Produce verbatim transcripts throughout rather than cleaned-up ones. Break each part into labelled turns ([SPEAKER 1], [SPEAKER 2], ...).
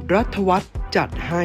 [SPEAKER 1] รัฐวัฒน์จัดให้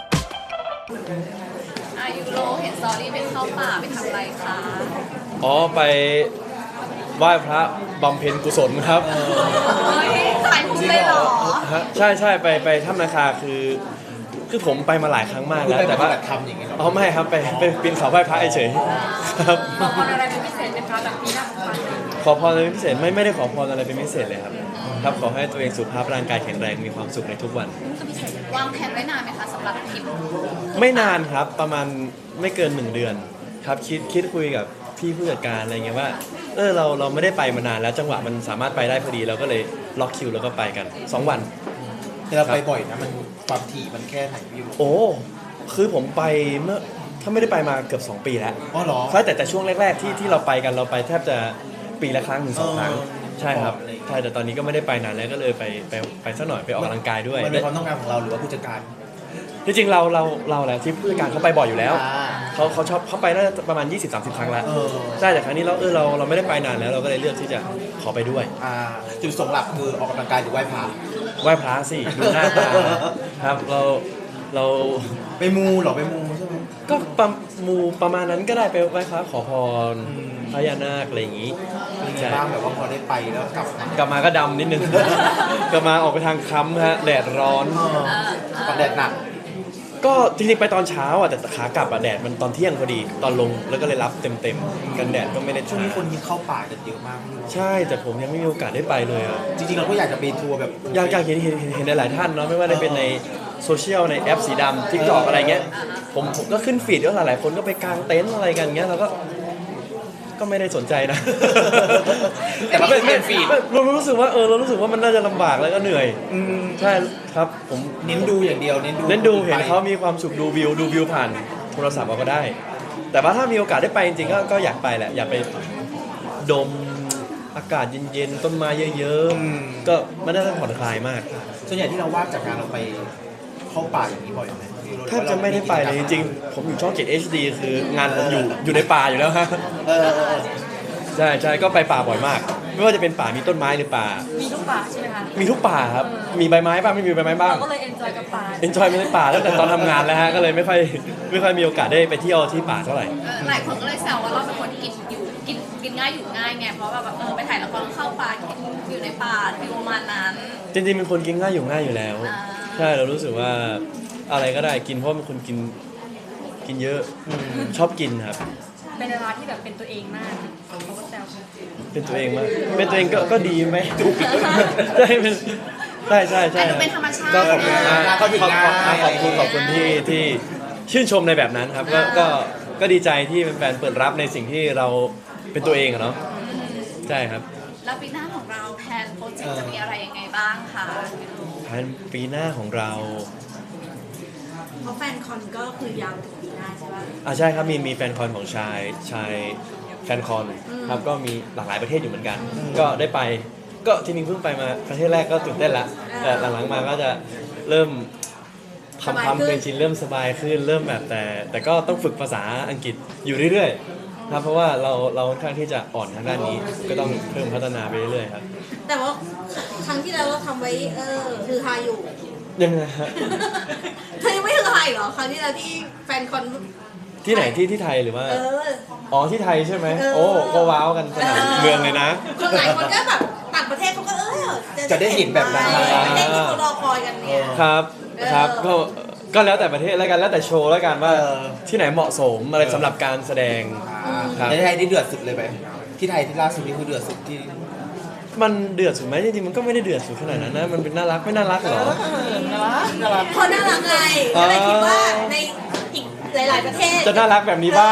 [SPEAKER 2] อายูโรเห็นสตอรี่ไปเข้าป่าไปทำอะไรคะ
[SPEAKER 3] อ๋อไปไหว้พระบำเพ็ญกุศลครับ
[SPEAKER 2] เฮ้ยสายมุกเลยเหรอ
[SPEAKER 3] ฮะใช่ใช่ไปไปถ้ำนาคาคือคือผมไปมาหลายครั้งมากแล้วแต่ว่า
[SPEAKER 4] ทำอย่างเงี้ยหรอ
[SPEAKER 3] อ๋อไม่ครับไปไปปีนเขาไหว้พระเฉยๆครับ
[SPEAKER 2] ขอพรอะไรเป็นพิเศษไหมคะแบบปีหน้าของมัน
[SPEAKER 3] ขอพรอะไรเป็นพิเศษไม่ไม่ได้ขอพรอะไรเป็นพิเศษเลยครับครับขอให้ตัวเองสุขภาพร่างกายแข็งแรงมีความสุขในทุกวัน
[SPEAKER 2] วางแผนไว้นานไหมคะสำหรับทริป
[SPEAKER 3] ไม่นานครับประมาณไม่เกินหนึ่งเดือนครับคิดคิดคุยกับพี่ผู้จัดการอะไรเงี้ยว่าเออเราเราไม่ได้ไปมานานแล้วจังหวะมันสามารถไปได้พอดีเราก็เลยล็อกคิวแล้วก็ไปกันสองวัน
[SPEAKER 4] แต่เราไปบ่อยนะมันความถี่มันแค่ไหนพี่
[SPEAKER 3] โอ้คือผมไปเมื่อถ้าไม่ได้ไปมาเกือบสองปีแล้ว
[SPEAKER 4] อ๋อเหรอ
[SPEAKER 3] ใช่แต่แต่ช่วงแรกๆที่ที่เราไปกันเราไปแทบจะปีละครั้งถึงสองครั้งใช่ครับใช่แต่ตอนนี้ก็ไม่ได้ไปนานแล้วก็เลยไปไปไปสักหน่อยไปออกกำลังกายด้วย
[SPEAKER 4] มันเป็นความต้องการของเราหรือว่าผู้จัดการ
[SPEAKER 3] จริงๆเราเราเราแหละที่ผู้จัดการเขาไปบ่อยอยู่แล้วเขาเขาชอบเขาไปน่าจะประมาณ ยี่สิบถึงสามสิบ ครั้งแล้วใช่แต่ครั้งนี้เราเออเราเราไม่ได้ไปนานแล้วเราก็เลยเลือกที่จะขอไปด้วย
[SPEAKER 4] อ่าจุดประสงค์หลักคือออกกำลังกายหรือไหว้พระ
[SPEAKER 3] ไหว้พระสิดูหน้าตาครับเราเรา
[SPEAKER 4] ไปมูหรอไปมูใช่ไหม
[SPEAKER 3] ก็ประมูประมาณนั้นก็ได้ไปไหว้พระขอพรพญานาคอะไรอย่างนี้
[SPEAKER 4] ใช่บ้างแบบว่าพอได้ไปแล้วกลับ
[SPEAKER 3] กลับมาก็ดำนิดนึงกลับมาออกไปทางค้ำฮะแดดร้อน
[SPEAKER 4] แดดหนัก
[SPEAKER 3] ก็จริงๆไปตอนเช้าอ่ะแต่ขากลับอ่ะแดดมันตอนเที่ยงพอดีตอนลงแล้วก็เลยรับเต็มๆกันแดดก็ไม่ได้
[SPEAKER 4] ช่วงนี้คนยิงเข้าป่ากันเยอะมาก
[SPEAKER 3] ใช่แต่ผมยังไม่มีโอกาสได้ไปเลยอ่ะ
[SPEAKER 4] จริงๆเราก็อยากจะไปทัวร์แบบ
[SPEAKER 3] อยากอยากเห็นเห็นเห็นหลายๆท่านเนาะไม่ว่าจะเป็นในโซเชียลในแอปสีดำทิกตอกอะไรเงี้ยผมผมก็ขึ้นฟีดแล้วหลายๆคนก็ไปกางเต็นท์อะไรกันเงี้ยเราก็ก็ไม่ได้สนใจนะ
[SPEAKER 4] แต่เราเป็นฟีด
[SPEAKER 3] เรารู้สึกว่าเออเรารู้สึกว่ามันน่าจะลำบากแล้วก็เหนื่อยใช่ครับผม
[SPEAKER 4] เน้นดูอย่างเดียวเน้นดู
[SPEAKER 3] เน้นดูเห็นเขามีความสุขดูวิวดูวิวผ่านโทรศัพท์เราก็ได้แต่ว่าถ้ามีโอกาสได้ไปจริงๆก็ก็อยากไปแหละอยากไปดมอากาศเย็นๆต้นไม้เยอะๆก็มันน่าจะผ่อนคลายมาก
[SPEAKER 4] ส่วนใหญ่ที่เราว่างจากงานเราไปเข้าป่าอย่างนี้บ่อยไหม
[SPEAKER 3] ถ้าจะไม่ได้ไปเลยจริงๆผมอยู่ช่องเจ็ด เอช ดี คืองานผมอยู่อยู่ในป่าอยู่แล้วฮะใช่ใช่ก็ไปป่าบ่อยมากไม่ว่าจะเป็นป่ามีต้นไม้หรือป่า
[SPEAKER 2] มีทุกป่าใช่ไหมคะ
[SPEAKER 3] มีทุกป่าครับมีใบไม้บ้างไม่มีใบไม้บ้าง
[SPEAKER 2] เราก็เลยเอนจอยกับป่า
[SPEAKER 3] เอนจอยในป่าตั้งแต่ตอนทำงานแล้วฮะก็เลยไม่ค่อยไม่ค่อยมีโอกาสได้ไปเที่ยวที่ป่าเท่าไหร่
[SPEAKER 2] หลายคนก็เลยแซวว่าเราเป็นคนกินอยู่กินกินง่ายอยู่ง่ายไงเพราะแบบเออไปถ่ายละครเข้าป่าอยู่ในป่าฟิลประมาณนั้น
[SPEAKER 3] จริงๆเป็นคนกินง่ายอยู่ง่ายอยู่แล้วใช่เรารู้สึกว่าอะไรก็ได้กินเพราะเป็นคนกินกินเยอะชอบกินครับ
[SPEAKER 2] เป็นเวลาที่แบบเป็นตัวเองมากเขาก็แซว
[SPEAKER 3] เป็นตัวเองมากเป็นตัวเองก็ก็ดีไหมใช่เป็นใช่ใช่ใช่
[SPEAKER 2] เป็นธรรมชาติ
[SPEAKER 3] ก็ขอบคุณขอบคุณขอบคุณขอบคุณที่ที่ชื่นชมในแบบนั้นครับก็ก็ก็ดีใจที่แฟนเปิดรับในสิ่งที่เราเป็นตัวเองอะเนาะใช่ครับ
[SPEAKER 2] แล้วปีหน้าของเราแพลนโปรเจกต์จะมีอะไรยังไงบ้างคะ
[SPEAKER 3] แพลนปีหน้าของเรา
[SPEAKER 2] เพราะแฟนคอนก็คือยาวถึงปีหน้าใช่ไหม
[SPEAKER 3] อ่าใช่ครับมีมีแฟนคอนของชายชายแฟนคอนครับก็มีหลากหลายประเทศอยู่เหมือนกันก็ได้ไปก็ที่นิ่งเพิ่งไปมาประเทศแรกก็ตื่นเต้นละแต่หลังๆมาก็จะเริ่มทำความเป็นชินเริ่มสบายขึ้นเริ่มแบบแต่แต่ก็ต้องฝึกภาษาอังกฤษอยู่เรื่อยๆครับเพราะว่าเราเราค่อนข้างที่จะอ่อนทางด้านนี้ก็ต้องเพิ่มพัฒนาไปเรื่อยๆครับ
[SPEAKER 2] แต่ว่าครั้งที่แล้วเราทำไว้เออคือฮาอยู่
[SPEAKER 3] ยังไงฮะ
[SPEAKER 2] เธอยังไม่ถึงไทยเหรอครั้งที่แล้วที่แฟนคอน
[SPEAKER 3] ที่ไหนที่ที่ไทยหรือว่าอ๋อที่ไทยใช่ไหมโอ้ก็ว้าวกันสนามเมืองเลยนะ
[SPEAKER 2] คนหลายคนก็แบบต่างประเทศเขาก็เออ
[SPEAKER 4] จะได้เห็นแบบนั้น
[SPEAKER 2] ประเทศที่เขารอคอยกันเนี่ย
[SPEAKER 3] ครับครับก็ก็แล้วแต่ประเทศแล้วกันแล้วแต่โชว์แล้วกันว่าที่ไหนเหมาะสมอะไรสำหรับการแสดง
[SPEAKER 4] ในไทยที่เดือดสุดเลยไหมที่ไทยที่ล่าสุดนี่คือเดือดสุดที่
[SPEAKER 3] มันเดือดสุดไหมจริงๆมันก็ไม่ได้เดือดสุดขนาดนั้นนะมันเป็นน่ารักไม่น่ารักหรอ
[SPEAKER 2] เพราะน่ารักไงก็เลยคิดว่าในอีกหลายๆประเทศ
[SPEAKER 3] จะน่ารักแบบนี้บ้าง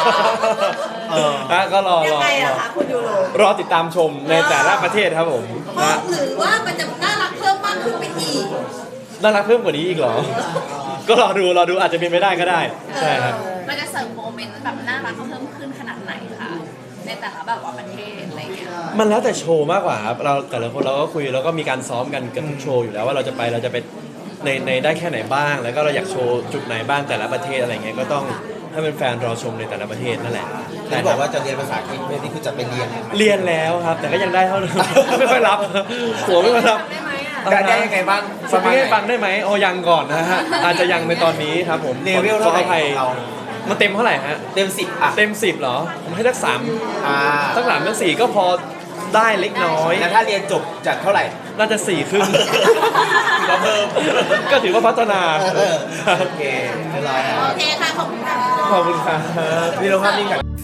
[SPEAKER 3] นะก็รอ
[SPEAKER 2] รอ
[SPEAKER 3] รอติดตามชมในแต่ละประเทศครับผม
[SPEAKER 2] นะหรือว่ามันจะน่ารักเพิ่มมากขึ้นไปอีก
[SPEAKER 3] น่ารักเพิ่มกว่านี้อีกเหรอก็รอดูรอดูอาจจะเป็นไปได้ก็ได้ใช่ครับ
[SPEAKER 2] มันจะเสริมโมเมนต์แบบน่ารักเพิ่มขึ้นขนาดไหนคะในแต่ละแบบว่าประเทศอะไรเงี้ย
[SPEAKER 3] มันแล้วแต่โชว์มากกว่าครับเราแต่ละคนเราก็คุยแล้วก็มีการซ้อมกันกับทุกโชว์อยู่แล้วว่าเราจะไปเราจะไปในในได้แค่ไหนบ้างแล้วก็เราอยากโชว์จุดไหนบ้างแต่ละประเทศอะไรเงี้ยก็ต้องให้เป็นแฟนรอชมในแต่ละประเทศนั่นแหละ
[SPEAKER 4] แต่บอกว่าจะเรียนภาษาอังกฤษไม่นี่คือจะไปเรียน
[SPEAKER 3] เรียนแล้วครับแต่ก็ยังได้เท่าเดิมไม่ค่อยรับหัวไม่ค่อยรับ
[SPEAKER 4] ได้ได้ยังไงบ้าง
[SPEAKER 3] สปีกให้ฟังได้ไหมโอ้ยังก่อนนะฮะอาจจะยังในตอนนี้ครับผม
[SPEAKER 4] เลเวลเท่าไหร่
[SPEAKER 3] ขออภัย
[SPEAKER 4] ของเรา
[SPEAKER 3] มันเต็มเท่าไหร่ฮะ
[SPEAKER 4] เต็มสิบอ่ะ
[SPEAKER 3] เต็มสิบเหรอผมให้สักสาม
[SPEAKER 4] อ่า
[SPEAKER 3] สักสามสักสี่ก็พอได้เล็กน้อย
[SPEAKER 4] แล้วถ้าเรียนจบจากเท่าไหร่
[SPEAKER 3] น่าจะสี่ครึ่ง
[SPEAKER 4] ถือว่าเพิ่ม
[SPEAKER 3] ก็ถือว่าพัฒนา
[SPEAKER 4] โอเคเรียบร้อยแล้ว
[SPEAKER 2] โอเคค่ะขอบคุณค่ะ
[SPEAKER 3] ขอบคุณครับ
[SPEAKER 4] มีเราภาพนิ่งกัน